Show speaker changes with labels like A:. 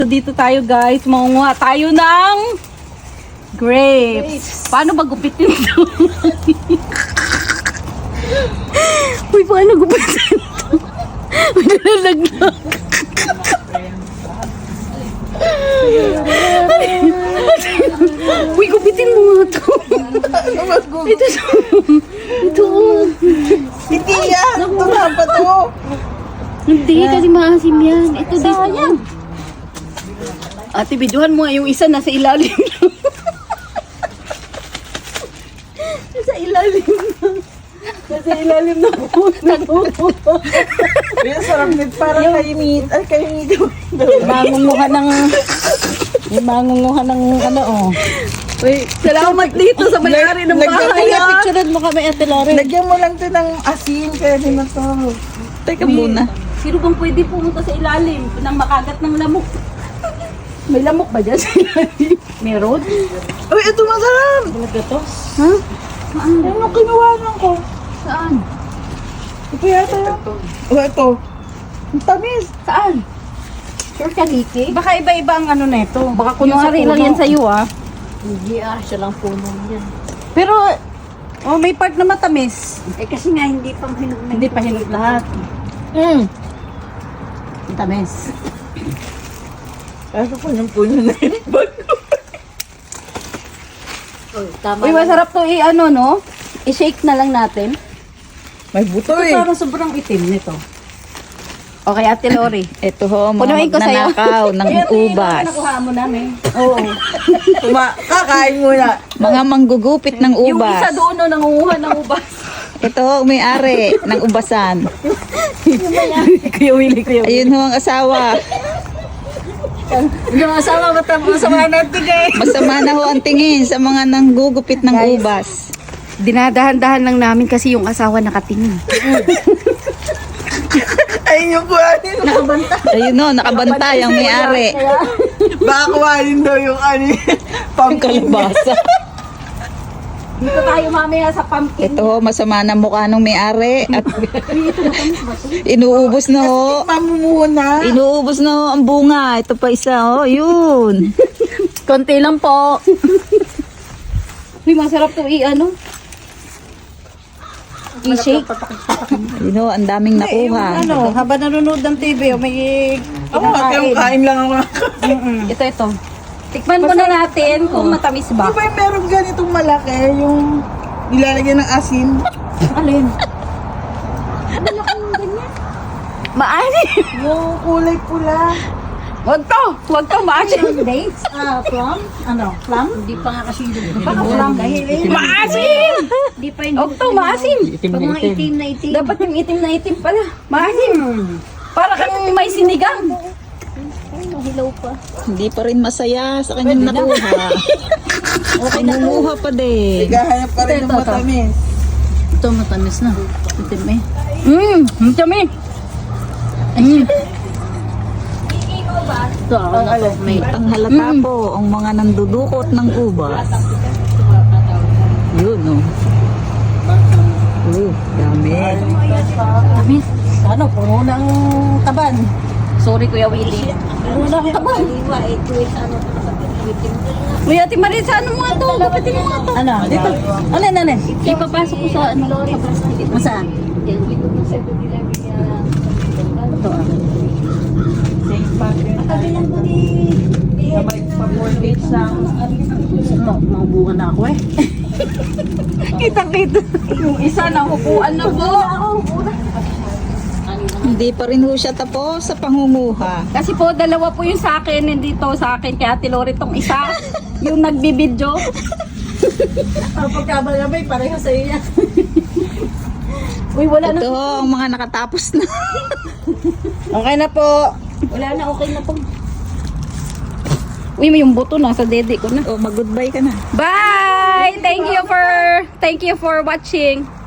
A: So, dito tayo guys, mangunguha tayo ng grapes. Paano ba gupitin ito? Uy, paano gupitin ito? May nalalaglag. Uy, gupitin mo nga ito. Ito.
B: Hindi yan! Ito na ba ito?
A: Hindi, kasi maasim yan. Ito dito. Ate, videohan mo nga yung isa nasa ilalim. Nasa ilalim na. Nasa ilalim na po.
B: Yung sarap nito parang kaimit. Ay, kaimit.
A: Mangunguha ng... Yung mangunguha ng ano, oh. Uy, salamat dito sa may-ari ng bahay. Picturean mo kami, Ate Lore.
B: Lagyan mo lang ito ng asin. Kaya din na ito. Teka muna.
A: Sino bang pwede pumunta sa ilalim ng makagat ng lamok? May lamok ba dyan sa ilalim? Meron?
B: Uy, ito masarap!
A: Talaga to? Ha?
B: Ano yung kinuhanan ko?
A: Saan?
B: Ito yata yun. Oh, ito. Ang tamis.
A: Saan? Sure ka, Nikki? Baka iba-iba ang ano na ito. Baka kunwari lang yan sa'yo, ah.
C: Hindi siya lang puno yan.
A: Pero, oh, may part na matamis.
C: Eh kasi nga hindi pang hinog na.
A: Hindi pa hinog lahat. Ang tamis.
B: Kaso po yung puno na yun.
C: Oh, tama.
A: Uy, masarap to i-ano, no? I-shake na lang natin.
B: May buto eh.
A: Parang sobrang itim nito. Okay, Ate Lori.
D: Ito ho, mga
A: Punuin ko sa'yo.
D: magnanakaw ng ubas.
A: Nakuha mo namin. Oo.
B: Kakain muna.
D: Mga manggugupit ng
A: Yung isa
D: ubas.
A: doon, no, nangunguha ng ubas.
D: Ito ho, may-ari ng ubasan.
A: Kuya Willie, Kuya Willie.
D: Ayun ho ang asawa.
A: Yung asawa, masama natin eh.
D: Masama na ho ang tingin sa mga nanggugupit ng
A: Guys.
D: ubas.
A: Dinadahan-dahan lang namin kasi yung asawa nakatingin.
B: Ayun yung kuhanin.
D: Ayun ho, nakabantay ang may-ari.
B: Baka kuhanin daw yung ano
D: Ang kalabasa.
A: Dito tayo mamaya sa pumpkin.
D: Ito ho, masama na mukha ng may-ari. At inuubos na ho.
B: Mamumuna.
D: Inuubos na ho ang bunga. Ito pa isa ho, yun.
A: Konti lang po. Uy, masarap to i-ano. I-shake.
D: Yun ho, ang daming nakuha.
A: Ano, habang nanonood ng TV, may
B: Ako kain lang ako.
A: Ito. Tikman muna natin kung matamis
B: Di
A: ba.
B: ba yung meron ganitong malaki, yung nilalagyan ng asin?
A: Alin? Maasim.
B: Yung kulay pula.
A: Wag to, maasim.
C: Dates? Plum? Ano? Plum? Hindi pa nga kasi yung
A: Baka plum. Maasim!
C: Hindi pa yung
A: Wag to, maasim.
C: pag mga itim na itim.
A: Dapat yung itim na itim pala. Maasim. Para kang may sinigang.
C: Hilaw pa.
D: Hindi pa rin masaya sa kanyang nakuha. Okay, nanguha pa din.
B: Gahanap pa rin ng matamis.
A: Ito, matamis na. Itim eh. Matamis.
C: Ito, ano to? May
D: Ang halata po, ang mga nandudukot ng ubas. Yun, no. Dami.
A: Tamis. Ano, puno ng taban. Sorry, Kuya Willie. Puno ng taban. Uy, Ate Marisa, ano mga to? Gapitin mo nga to. Ano? Dito. Alin? Ipapasok ko sa ano? Sa plastic. Masaan? Ito ah. Ito, maubukan na ako eh. Kitang-kita. Yung isa na hupuan na po.
D: Hindi pa rin ho siya tapos sa pangunguha.
A: Kasi po, dalawa po yung sa akin, hindi to sa akin. Kaya Ate Lori tong isa, yung nagbibidyo.
C: pagkabagabay, pareho sa iyo yan.
A: Uy, wala na.
D: Ito ho, ang mga nakatapos na.
B: Okay na po.
A: Wala na, okay na to. Uy, may yung buto na sa dede ko na.
D: O, mag-goodbye ka na.
A: Bye! Thank you for watching.